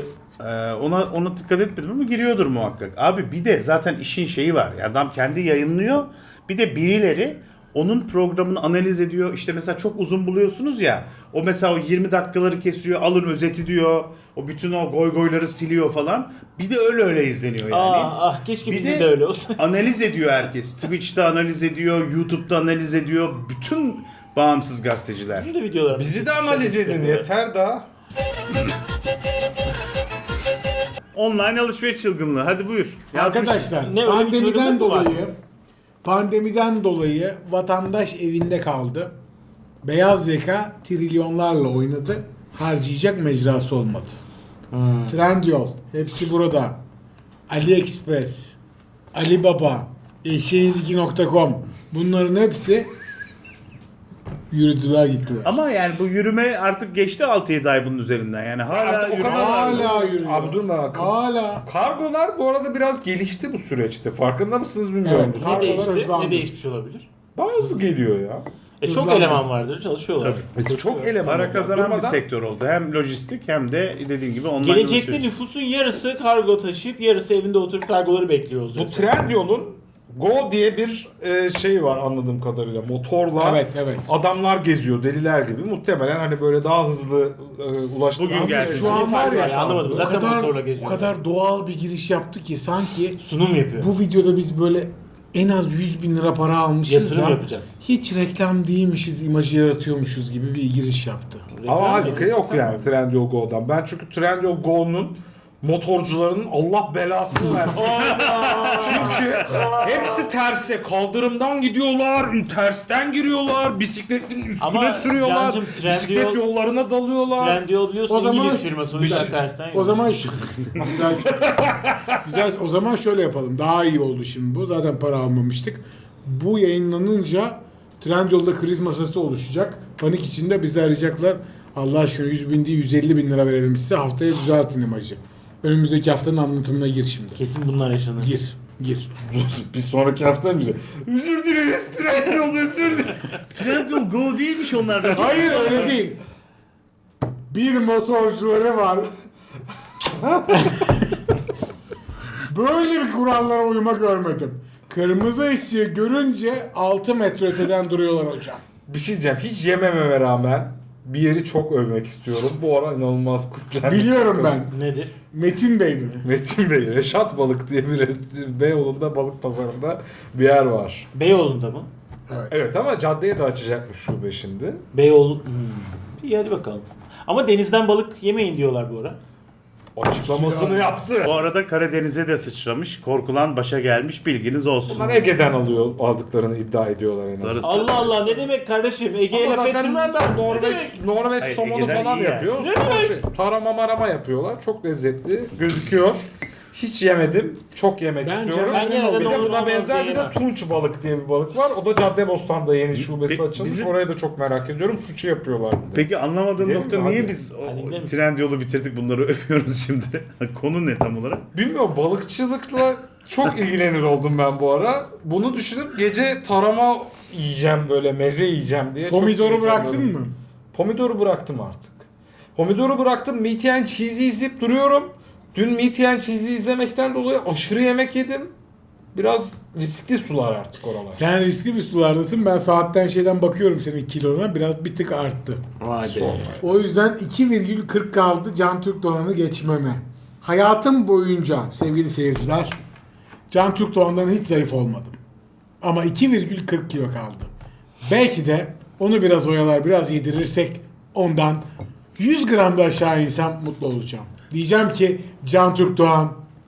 [SPEAKER 2] Ona dikkat etmedim ama giriyordur muhakkak. Abi bir de zaten işin şeyi var. Yani adam kendi yayınlıyor. Bir de birileri onun programını analiz ediyor. İşte mesela çok uzun buluyorsunuz ya. O mesela o 20 dakikaları kesiyor. Alın özeti diyor. O bütün o goyları siliyor falan. Bir de öyle izleniyor yani.
[SPEAKER 4] Keşke
[SPEAKER 2] Bir
[SPEAKER 4] bizim
[SPEAKER 2] de-
[SPEAKER 4] de öyle olsa.
[SPEAKER 2] Analiz ediyor herkes. Twitch'te analiz ediyor. YouTube'da analiz ediyor. Bütün bağımsız gazeteciler.
[SPEAKER 4] Bizim de videolarımız.
[SPEAKER 3] Bizi de analiz edin yeter daha.
[SPEAKER 2] Online alışveriş çılgınlığı. Hadi buyur. Yazmış.
[SPEAKER 1] arkadaşlar
[SPEAKER 4] Ne, öyle bir çılgınlık
[SPEAKER 1] pandemiden dolayı vatandaş evinde kaldı. Beyaz yaka trilyonlarla oynadı. Harcayacak mecrası olmadı. Trendyol hepsi burada. AliExpress, Alibaba, eşeğiniz2.com bunların hepsi yürüdüler gittiler.
[SPEAKER 2] Ama yani bu yürüme artık geçti 6-7 ay bunun üzerinden. Yani hala
[SPEAKER 3] Artık o
[SPEAKER 2] yürüme
[SPEAKER 3] kadar-
[SPEAKER 2] var.
[SPEAKER 1] Hala yürüyor.
[SPEAKER 3] Abi durma.
[SPEAKER 1] Hala.
[SPEAKER 3] Kargolar bu arada biraz gelişti bu süreçte. Farkında mısınız bilmiyorum.
[SPEAKER 1] Evet.
[SPEAKER 4] Ne
[SPEAKER 1] Kargolar
[SPEAKER 4] değişti?
[SPEAKER 1] hızlandı.
[SPEAKER 4] Ne değişmiş olabilir?
[SPEAKER 3] Bazı geliyor ya.
[SPEAKER 4] Çok
[SPEAKER 1] Hızlandı.
[SPEAKER 4] eleman vardır, çalışıyorlar.
[SPEAKER 3] Çok eleman.
[SPEAKER 2] Para
[SPEAKER 3] var.
[SPEAKER 2] kazanan bir
[SPEAKER 3] Durmadan-
[SPEAKER 2] sektör oldu. Hem lojistik hem de dediğim gibi online
[SPEAKER 4] Gelecekte
[SPEAKER 2] alışveriş.
[SPEAKER 4] nüfusun yarısı kargo taşıyıp yarısı evinde oturup kargoları bekliyor
[SPEAKER 3] Bu
[SPEAKER 4] olacak.
[SPEAKER 3] Trendyol'un Go diye bir şey var anladığım kadarıyla. Motorla
[SPEAKER 1] Evet.
[SPEAKER 3] adamlar geziyor deliler gibi. Muhtemelen hani böyle daha hızlı ulaştım.
[SPEAKER 2] Bugün gelsin.
[SPEAKER 1] Şu an var ya
[SPEAKER 4] Anlamadım.
[SPEAKER 1] o
[SPEAKER 4] Zaten motorla
[SPEAKER 1] kadar, o
[SPEAKER 4] geziyor.
[SPEAKER 1] kadar doğal bir giriş yaptı ki sanki
[SPEAKER 4] Sunum yapıyor.
[SPEAKER 1] bu videoda biz böyle en az 100 bin lira para almışız
[SPEAKER 4] Yatırım
[SPEAKER 1] da
[SPEAKER 4] yapacağız.
[SPEAKER 1] hiç reklam değilmişiz imajı yaratıyormuşuz gibi bir giriş yaptı.
[SPEAKER 3] Ama
[SPEAKER 4] Reklam
[SPEAKER 3] halbuki
[SPEAKER 4] yapıyor.
[SPEAKER 3] yok yani Trendyol Go'dan. Ben çünkü Trendyol Go'nun motorcuların Allah belasını versin. Çünkü hepsi terse. Kaldırımdan gidiyorlar, tersten giriyorlar, bisikletin üstüne
[SPEAKER 4] Ama
[SPEAKER 3] sürüyorlar,
[SPEAKER 4] Cancım,
[SPEAKER 3] bisiklet yollarına dalıyorlar.
[SPEAKER 4] Trendyol biliyorsun
[SPEAKER 1] O zaman-
[SPEAKER 4] İngiliz firması o yüzden tersten
[SPEAKER 1] O zaman güzel, güzel. O zaman şöyle yapalım. Daha iyi oldu şimdi bu. Zaten para almamıştık. Bu yayınlanınca Trendyol'da kriz masası oluşacak. Panik içinde bizi arayacaklar. Allah aşkına 100 bin değil 150 bin lira verelim size. Haftaya düzeltin imajı. Önümüzdeki haftanın anlatımına gir şimdi.
[SPEAKER 4] kesin bunlar yaşanır.
[SPEAKER 1] Gir.
[SPEAKER 3] Bir sonraki hafta bize özür dileriz Trendyol özür dileriz.
[SPEAKER 2] Trendyol Go değilmiş onlardan.
[SPEAKER 1] Hayır öyle değil. Bir motorcuları var. Böyle bir kurallara uyma görmedim. Kırmızı ışığı görünce 6 metre öteden duruyorlar hocam.
[SPEAKER 3] Bir şey diyeceğim. Hiç yemememe rağmen bir yeri çok övmek istiyorum. Bu ara inanılmaz kutlandı.
[SPEAKER 1] Biliyorum ben.
[SPEAKER 4] Nedir?
[SPEAKER 1] Metin Bey mi?
[SPEAKER 3] Metin Bey, Reşat Balık diye bir Beyoğlu'nda balık pazarında bir yer var.
[SPEAKER 4] Beyoğlu'nda mı?
[SPEAKER 3] Evet ama caddeye de açacakmış şube şimdi.
[SPEAKER 4] Beyoğlu... İyi hadi bakalım. Ama denizden balık yemeyin diyorlar bu ara.
[SPEAKER 3] Açıklamasını yaptı.
[SPEAKER 2] Bu arada Karadeniz'e de sıçramış. Korkulan başa gelmiş, bilginiz olsun.
[SPEAKER 3] Bunlar Ege'den aldıklarını iddia ediyorlar en azından.
[SPEAKER 2] Darısı-
[SPEAKER 4] Allah Allah ne demek kardeşim? Ege'ye
[SPEAKER 3] Ama
[SPEAKER 4] laf
[SPEAKER 3] zaten
[SPEAKER 4] ettirmem ben.
[SPEAKER 3] Norveç
[SPEAKER 2] Hayır,
[SPEAKER 3] somonu
[SPEAKER 2] Ege'den
[SPEAKER 3] falan
[SPEAKER 2] iyi yani.
[SPEAKER 3] yapıyor. Sonra tarama marama yapıyorlar. Çok lezzetli gözüküyor. Hiç yemedim. Çok yemek
[SPEAKER 1] Bence
[SPEAKER 3] istiyorum.
[SPEAKER 4] ben gene de
[SPEAKER 3] bir de
[SPEAKER 4] normal
[SPEAKER 3] buna benzer bir de
[SPEAKER 4] yemem.
[SPEAKER 3] tunç balık diye bir balık var. O da Caddebostan'da yeni şubesi açılmış.
[SPEAKER 2] bizim-
[SPEAKER 3] Oraya da çok merak ediyorum. Suçu yapıyorlar. bir de.
[SPEAKER 2] Peki anlamadığım
[SPEAKER 3] Gidelim
[SPEAKER 2] nokta
[SPEAKER 3] mi?
[SPEAKER 2] niye
[SPEAKER 3] Hadi.
[SPEAKER 2] biz
[SPEAKER 4] Hadi gidelim.
[SPEAKER 2] Trendyol'u bitirdik bunları övüyoruz şimdi? Konu ne tam olarak?
[SPEAKER 3] Bilmiyorum, balıkçılıkla çok ilgilenir oldum ben bu ara. Bunu düşünüp gece tarama yiyeceğim, böyle meze yiyeceğim diye. çok
[SPEAKER 1] Pomidoru bıraktın
[SPEAKER 3] heyecanlandım.
[SPEAKER 1] mı?
[SPEAKER 3] Pomidoru bıraktım artık. Pomidoru bıraktım. Meat and Cheese'i izleyip duruyorum. Dün Meat and Cheese'i izlemekten dolayı aşırı yemek yedim. Biraz riskli sular artık oralar.
[SPEAKER 1] Sen riskli bir sulardasın. Ben saatten şeyden bakıyorum senin kilona. Biraz bir tık arttı.
[SPEAKER 4] Vay be.
[SPEAKER 3] Sonra.
[SPEAKER 1] O yüzden 2,40 kaldı Can Türk Doğan'ı geçmeme. Hayatım boyunca sevgili seyirciler Can Türk Doğan'dan hiç zayıf olmadım. Ama 2,40 kilo kaldı. Belki de onu biraz oyalar, biraz yedirirsek ondan 100 gram da aşağı insem mutlu olacağım. Diyeceğim ki Can Türk Doğan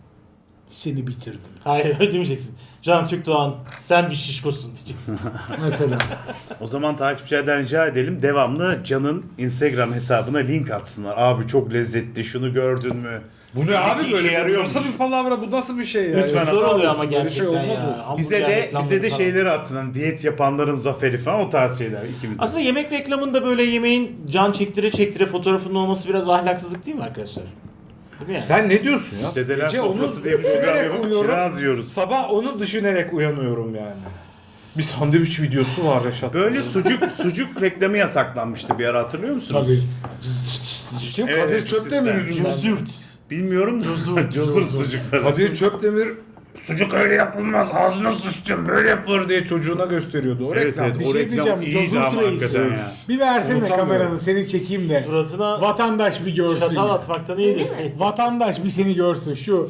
[SPEAKER 1] seni bitirdim.
[SPEAKER 4] Hayır öyle demeyeceksin. Can Türk Doğan sen bir şişkosun diyeceksin.
[SPEAKER 1] Mesela.
[SPEAKER 2] O zaman takipçilerden rica edelim devamlı Can'ın Instagram hesabına link atsınlar. Abi çok lezzetli, şunu gördün mü?
[SPEAKER 3] Bu ne abi
[SPEAKER 2] İşe
[SPEAKER 3] böyle? Bu
[SPEAKER 2] yarıyormuş.
[SPEAKER 3] nasıl bir palavra? Bu nasıl bir şey ya?
[SPEAKER 2] Lütfen
[SPEAKER 4] Zor
[SPEAKER 2] atar
[SPEAKER 4] oluyor ama
[SPEAKER 3] mısın? Böyle
[SPEAKER 4] gerçekten
[SPEAKER 3] şey olmaz
[SPEAKER 4] ya.
[SPEAKER 3] olsun.
[SPEAKER 4] Hamburger
[SPEAKER 2] Bize de
[SPEAKER 4] reklamları falan.
[SPEAKER 2] şeyleri attın. Hani diyet yapanların zaferi falan o tarz şeyler ikimiz de.
[SPEAKER 4] Aslında yemek reklamında böyle yemeğin can çektire çektire fotoğrafının olması biraz ahlaksızlık değil mi arkadaşlar? Değil mi yani?
[SPEAKER 3] Sen ne diyorsun ya?
[SPEAKER 2] Dedeler
[SPEAKER 3] Gece onu
[SPEAKER 2] sofrası diye bir program
[SPEAKER 3] düşünerek
[SPEAKER 2] yapıp
[SPEAKER 3] uyuyorum.
[SPEAKER 2] kiraz yiyoruz.
[SPEAKER 3] Sabah onu düşünerek uyanıyorum yani. Bir sandviç videosu var Reşat.
[SPEAKER 2] Böyle sucuk reklamı yasaklanmıştı bir ara hatırlıyor musunuz?
[SPEAKER 1] Tabii.
[SPEAKER 3] Kim?
[SPEAKER 2] Evet,
[SPEAKER 3] Kadir Çöptemir
[SPEAKER 2] sen-
[SPEAKER 3] yüzünden.
[SPEAKER 4] Zürt.
[SPEAKER 2] Bilmiyorum. Cozurt sucukları.
[SPEAKER 3] Kadir Çöptemir sucuk öyle yapılmaz ağzına sıçtım böyle yapılır diye çocuğuna gösteriyordu. O
[SPEAKER 2] Evet
[SPEAKER 3] reklam.
[SPEAKER 2] evet
[SPEAKER 1] Bir
[SPEAKER 2] o
[SPEAKER 1] şey
[SPEAKER 2] reklam
[SPEAKER 1] diyeceğim,
[SPEAKER 2] iyiydi
[SPEAKER 1] Cozurt
[SPEAKER 2] ama
[SPEAKER 1] Reis.
[SPEAKER 2] hakikaten ya.
[SPEAKER 1] Bir versene
[SPEAKER 3] Unutamıyorum.
[SPEAKER 1] kameranı seni çekeyim de.
[SPEAKER 4] Suratına
[SPEAKER 1] Vatandaş bir görsün.
[SPEAKER 4] çatal atmaktan iyidir.
[SPEAKER 1] Vatandaş bir seni görsün. Şu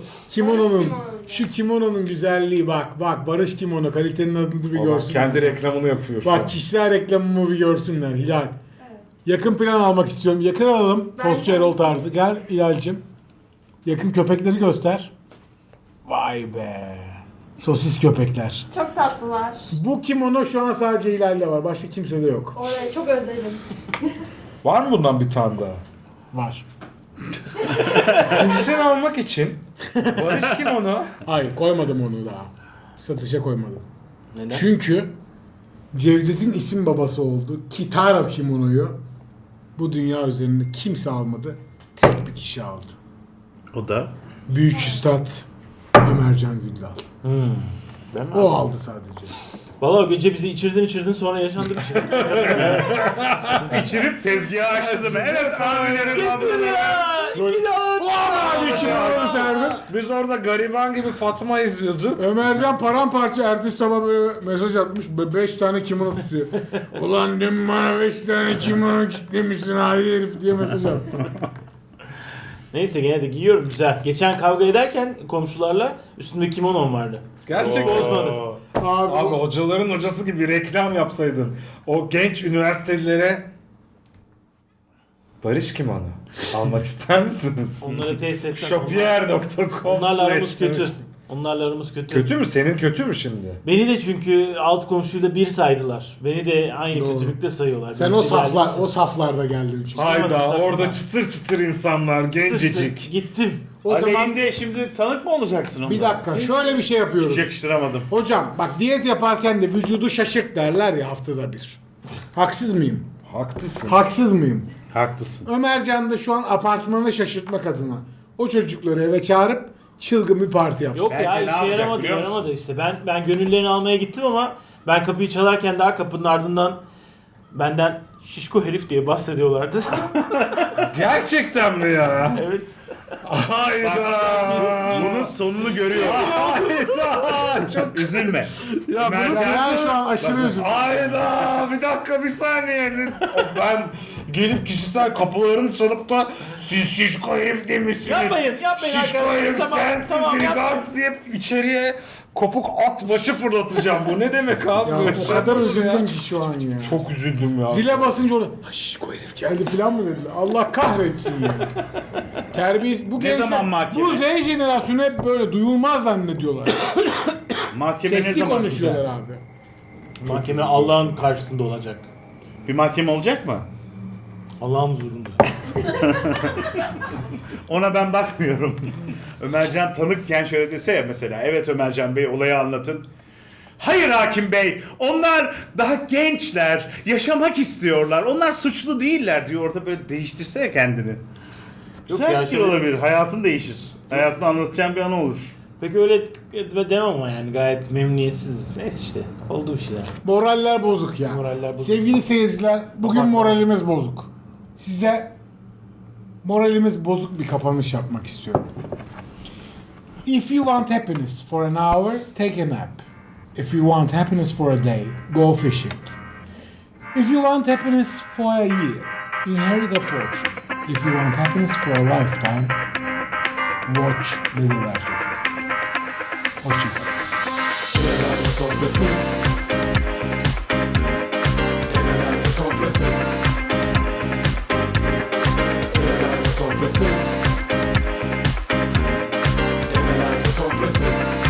[SPEAKER 1] kimononun güzelliği bak Barış Kimono kalitenin adını bir
[SPEAKER 3] Adam
[SPEAKER 1] görsün.
[SPEAKER 3] kendi reklamını yapıyor şu an.
[SPEAKER 1] Bak kişisel reklamımı bir görsünler Hilal. Yakın plan almak istiyorum. Yakın alalım.
[SPEAKER 5] Ben
[SPEAKER 1] Postçu
[SPEAKER 5] de.
[SPEAKER 1] Erol tarzı. Gel Hilal'cim. Yakın köpekleri göster. Vay be. Sosis köpekler.
[SPEAKER 5] Çok tatlılar.
[SPEAKER 1] Bu kimono şu an sadece Hilal'de var. Başka kimsede yok.
[SPEAKER 5] Orayı çok özledim.
[SPEAKER 3] Var mı bundan bir tane daha?
[SPEAKER 1] Var.
[SPEAKER 3] İkincisini almak için Barış Kimono
[SPEAKER 1] Hayır koymadım onu daha. Satışa koymadım.
[SPEAKER 4] Neden?
[SPEAKER 1] Çünkü Cevdet'in isim babası oldu. Kitara kimonoyu bu dünya üzerinde kimse almadı. Tek bir kişi aldı.
[SPEAKER 2] O da
[SPEAKER 1] Büyük Üstad Ömercan Güldal.
[SPEAKER 4] Değil mi?
[SPEAKER 1] O aldı sadece.
[SPEAKER 4] Valla o gece bizi içirdin sonra yaşandı bir şey.
[SPEAKER 2] içirip tezgahı açtı da evet tahminlerim abi.
[SPEAKER 1] Hadi kimonoyu serdim.
[SPEAKER 3] biz orada gariban gibi Fatma izliyorduk.
[SPEAKER 1] Ömercan paramparça ertesi sabah böyle mesaj atmış. 5 tane kimono tutuyor. Ulan dün bana 5 tane kimono kitlemişsin hadi herif diye mesaj attı.
[SPEAKER 4] Neyse gene de giyiyorum güzel. Geçen kavga ederken komşularla üstümde kimonom vardı.
[SPEAKER 3] Gerçekten.
[SPEAKER 4] Bozmadı.
[SPEAKER 1] Abi,
[SPEAKER 3] Abi hocaların hocası gibi reklam yapsaydın. O genç üniversitelilere Barış kim onu? Almak ister misiniz?
[SPEAKER 4] Onları tesis etmem.
[SPEAKER 3] Shopier.com.
[SPEAKER 4] Onlarla aramız kötü. Onlarla aramız kötü.
[SPEAKER 3] Kötü mü? Senin kötü mü şimdi?
[SPEAKER 4] Beni de çünkü alt komşuyla bir saydılar. Beni de aynı
[SPEAKER 1] Doğru.
[SPEAKER 4] kötülükte sayıyorlar.
[SPEAKER 1] Sen
[SPEAKER 4] Benim
[SPEAKER 1] o saflarda geldin çünkü.
[SPEAKER 3] Hayda
[SPEAKER 4] sen-
[SPEAKER 3] orada çıtır çıtır insanlar gencecik.
[SPEAKER 4] Gittim.
[SPEAKER 1] O zaman
[SPEAKER 2] Aleyhinde şimdi tanık mı olacaksın onlara?
[SPEAKER 1] bir dakika şöyle bir şey yapıyoruz.
[SPEAKER 2] Hiç yakıştıramadım.
[SPEAKER 1] Hocam bak diyet yaparken de vücudu şaşırt derler ya haftada bir. Haksız mıyım?
[SPEAKER 3] Haklısın.
[SPEAKER 1] Haksız mıyım?
[SPEAKER 2] Haklısın.
[SPEAKER 1] Ömercan da şu an apartmanı şaşırtmak adına o çocukları eve çağırıp çılgın bir parti yapsın.
[SPEAKER 4] Yok
[SPEAKER 2] Bence
[SPEAKER 4] ya
[SPEAKER 2] ne
[SPEAKER 4] işe
[SPEAKER 2] yapacak
[SPEAKER 4] yaramadı,
[SPEAKER 2] biliyor musun?
[SPEAKER 4] yaramadı işte. Ben gönüllerini almaya gittim ama ben kapıyı çalarken daha kapının ardından benden şişko herif diye bahsediyorlardı.
[SPEAKER 3] Gerçekten mi ya?
[SPEAKER 4] Evet.
[SPEAKER 3] Hayda.
[SPEAKER 2] Bunun sonunu görüyor.
[SPEAKER 3] Hayda. Çok
[SPEAKER 2] Üzülme.
[SPEAKER 3] ya bunu
[SPEAKER 1] Ben şu an aşırı üzüldüm.
[SPEAKER 3] Hayda bir dakika bir saniye. Ben gelip kişisel kapılarını çalıp da siz şişko herif demişsiniz.
[SPEAKER 4] Yapmayın
[SPEAKER 3] Şişko
[SPEAKER 4] arkadaşlar.
[SPEAKER 3] herif
[SPEAKER 4] Tamam,
[SPEAKER 3] sensiz
[SPEAKER 4] tamam,
[SPEAKER 3] regards diye içeriye kopuk at başı fırlatacağım. Bu ne demek abi?
[SPEAKER 1] Ya
[SPEAKER 3] Böyle
[SPEAKER 1] o
[SPEAKER 3] şey
[SPEAKER 1] kadar
[SPEAKER 3] yapıyorsun ya.
[SPEAKER 1] üzüldüm ki şu an ya.
[SPEAKER 3] Çok üzüldüm ya.
[SPEAKER 1] Zile basınca orada şişko herif geldi falan mı dediler. Allah kahretsin ya. Terbiyesiz. Bu
[SPEAKER 2] Ne zaman mahkeme?
[SPEAKER 1] Bu Z jenerasyonu hep böyle duyulmaz zannediyorlar.
[SPEAKER 2] Mahkeme ne
[SPEAKER 1] Sesli
[SPEAKER 2] zaman
[SPEAKER 1] konuşuyorlar
[SPEAKER 2] güzel?
[SPEAKER 1] abi.
[SPEAKER 4] Mahkeme Allah'ın karşısında olacak.
[SPEAKER 2] Bir mahkeme olacak mı?
[SPEAKER 4] Allah'ın huzurunda.
[SPEAKER 2] Ona ben bakmıyorum. Ömercan tanıkken şöyle dese ya mesela. Evet Ömercan Bey olayı anlatın. Hayır hakim bey. Onlar daha gençler. Yaşamak istiyorlar. Onlar suçlu değiller diyor. Orada böyle değiştirse ya kendini. Güzel
[SPEAKER 4] ya,
[SPEAKER 2] fikir
[SPEAKER 4] şöyle-
[SPEAKER 2] olabilir. Hayatın değişir. Hayatını anlatacağın bir an olur.
[SPEAKER 4] Peki öyle demem ama yani gayet memnuniyetsiz. Neyse işte oldu bir şeyler.
[SPEAKER 1] Moraller bozuk ya.
[SPEAKER 4] Moraller bozuk.
[SPEAKER 1] Sevgili seyirciler, bugün
[SPEAKER 4] Abartma.
[SPEAKER 1] moralimiz bozuk. Size moralimiz bozuk bir kapanış yapmak istiyorum. If you want happiness for an hour, take a nap. If you want happiness for a day, go fishing. If you want happiness for a year, inherit a fortune. If you want happiness for a lifetime, watch The Last of Us. Hoşçakalın.
[SPEAKER 5] Sofrası. Dedeler sofrası. Dedeler sofrası. Dedeler sofrası.